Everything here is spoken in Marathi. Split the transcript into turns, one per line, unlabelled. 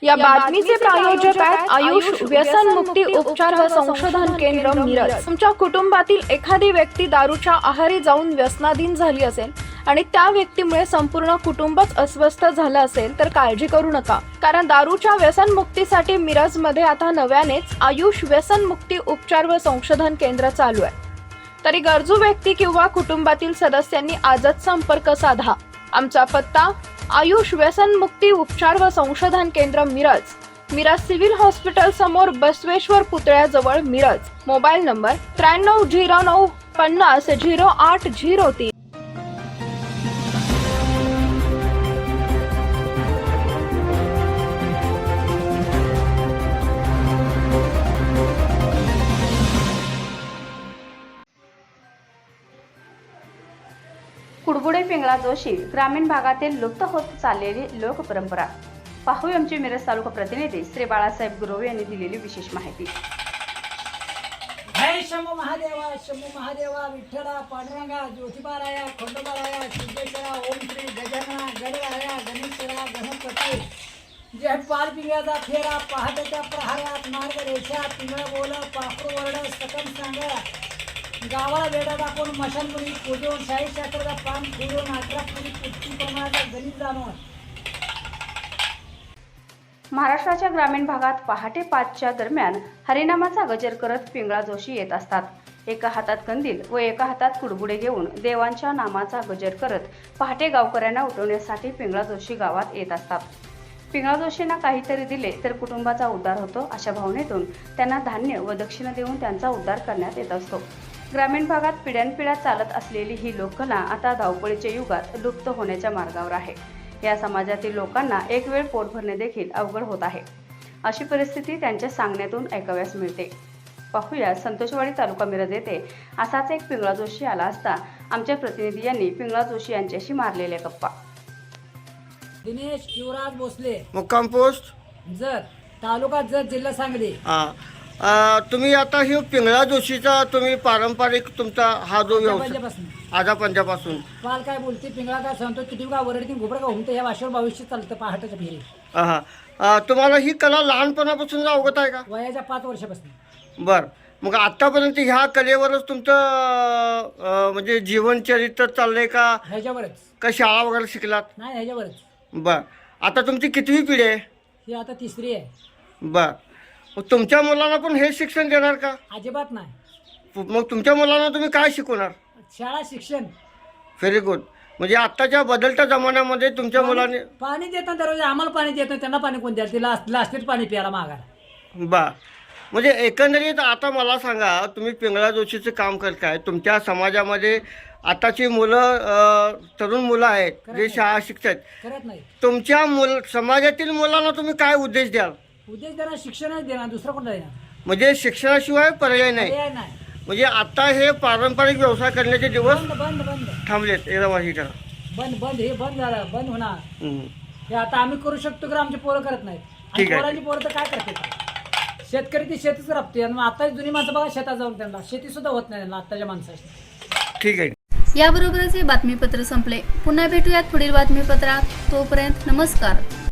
या बातमीचे प्रायोजक आहेत आयुष व्यसन मुक्ती उपचार व संशोधन केंद्र मिरज। तुमच्या कुटुंबातील एखादी व्यक्ती दारूच्या आहारी जाऊन व्यसनाधीन झाली असेल आणि त्या व्यक्तीमुळे संपूर्ण कुटुंबच अस्वस्थ झालं असेल तर काळजी करू नका, कारण दारूच्या व्यसन मुक्तीसाठी मिरज मध्ये आता नव्यानेच आयुष व्यसन मुक्ती उपचार व संशोधन केंद्र चालू आहे। तरी गरजू व्यक्ती किंवा कुटुंबातील सदस्यांनी आजच संपर्क साधा। आमचा पत्ता आयुष व्यसन मुक्ती उपचार व संशोधन केंद्र मिरज सिव्हिल हॉस्पिटल समोर बसवेश्वर पुतळ्याजवळ मिरज। Mobile number 9309 50 0803।
कुडबुडे पिंगळा जोशी ग्रामीण भागातील लुप्त होत चाललेली लोकपरंपरा। पाहूया आमचे मिरज तालुका प्रतिनिधी श्री बाळासाहेब गुरव यांनी दिलेली विशेष माहिती।
जय शंभू महादेवा विठ्ठला पांडुरंगा ज्योतिबाराया खंडोबाराया सिद्धेश्वरा ओम श्री गजानना गणराया गणेशरा गणपती। जय पाल पिंगळाचा फेरा पहाटेच्या प्रहारात मार्ग रेषा पिंगळ बोल पाखरू वरड सकम सांगा गावाला वेडा टाकून मशानपुरी पूजून शाही शास्त्राचा पान फिरून 18 पुरी पुष्टी प्रमाणाचा गणित जाणून।
महाराष्ट्राच्या ग्रामीण भागात पहाटे 5च्या दरम्यान हरिनामाचा गजर करत पिंगळा जोशी येत असतात। एका हातात कंदील व एका हातात कुडबुडे घेऊन देवांच्या नामाचा गजर करत पहाटे गावकऱ्यांना उठवण्यासाठी पिंगळा जोशी गावात येत असतात। पिंगळा जोशींना काहीतरी दिले तर कुटुंबाचा उद्धार होतो अशा भावनेतून त्यांना धान्य व दक्षिणा देऊन त्यांचा उद्धार करण्यात येत असतो। ग्रामीण भागात पिढ्यानपिढ्या चालत असलेली ही लोककला आता धावपळीच्या युगात लुप्त होण्याच्या मार्गावर आहे। या समाजातील लोकांना एक वेळ पोट भरणे देखील अवघड होत आहे। अशी परिस्थिती त्यांच्या सांगण्यातून ऐकाव्यास मिळते। पाहूया संतोषवाडी तालुका मिरज येथे असाच एक पिंगळा जोशी आला असता आमच्या प्रतिनिधी यांनी पिंगळा जोशी यांच्याशी मारलेल्या गप्पा।
दिनेश युवराज भोसले,
मुक्काम पोस्ट
जत तालुका जत जिल्हा सांगली।
तुम्ही आता हे पिंगळा जोशीचा तुम्ही पारंपरिक तुमचा हा जो व्यवसाय आजा पंजापासून
पाल काय बोलते पिंगळा काय सांगतो किती का वरडती घुबड का घुमते या भाषेवर भविष्य चालतं पहाटेच्या फेरी।
तुम्हाला ही कला लहानपणापासून अवगत आहे का?
वयाच्या 5 वर्षापासून।
बर, मग आतापर्यंत ह्या कलेवरच तुमचं म्हणजे जीवनचरित्र चाललंय का?
ह्याच्यावरच।
का शाळा वगैरे शिकलात?
नाही ह्याच्यावरच।
बर, आता तुमची कितवी पिढी आहे?
ही आता 3री आहे।
बर, मग तुमच्या मुलांना पण हे शिक्षण देणार का?
अजिबात नाही।
मग तुमच्या मुलांना तुम्ही काय शिकवणार?
शाळा शिक्षण।
Very good. म्हणजे आत्ताच्या बदलत्या जमान्यामध्ये तुमच्या मुलांनी
पाणी देतात दररोज, आम्हाला पाणी देत नाही, त्यांना पाणी कोण द्याल? तिला लास्टेट पाणी प्यायला मागा।
बा, म्हणजे एकंदरीत आता मला सांगा, तुम्ही पिंगळा जोशीचं काम करताय, तुमच्या समाजामध्ये आताची मुलं तरुण मुलं आहेत जे शाळा शिकतात,
करत नाही।
तुमच्या समाजातील मुलांना तुम्ही काय उद्देश द्याल?
उद्देश देणार शिक्षणच देणार, दुसरं कोणता देणार?
म्हणजे शिक्षणाशिवाय पर्याय नाही।
पर्याय नाही।
म्हणजे आता हे पारंपरिक व्यवसाय करण्याचे दिवस
बंद बंद बंद
थांबलेत एकदम अशी करा।
बंद बंद हे बंद झालं, बंद होणार। हे आता आम्ही करू शकतो की आमचे पोरं करत नाहीत।
ठीक आहे।
पोरांची पोरं तर काय करते? शेतकरी ती शेतीच राबते आणि आता जुनी माणसं बघा शेतात जाऊन त्यांना शेती सुद्धा होत नाही त्यांना आताच्या माणसाची।
ठीक आहे।
याबरोबरच हे बातमीपत्र संपले। पुन्हा भेटूयात पुढील बातमीपत्रात। तोपर्यंत नमस्कार।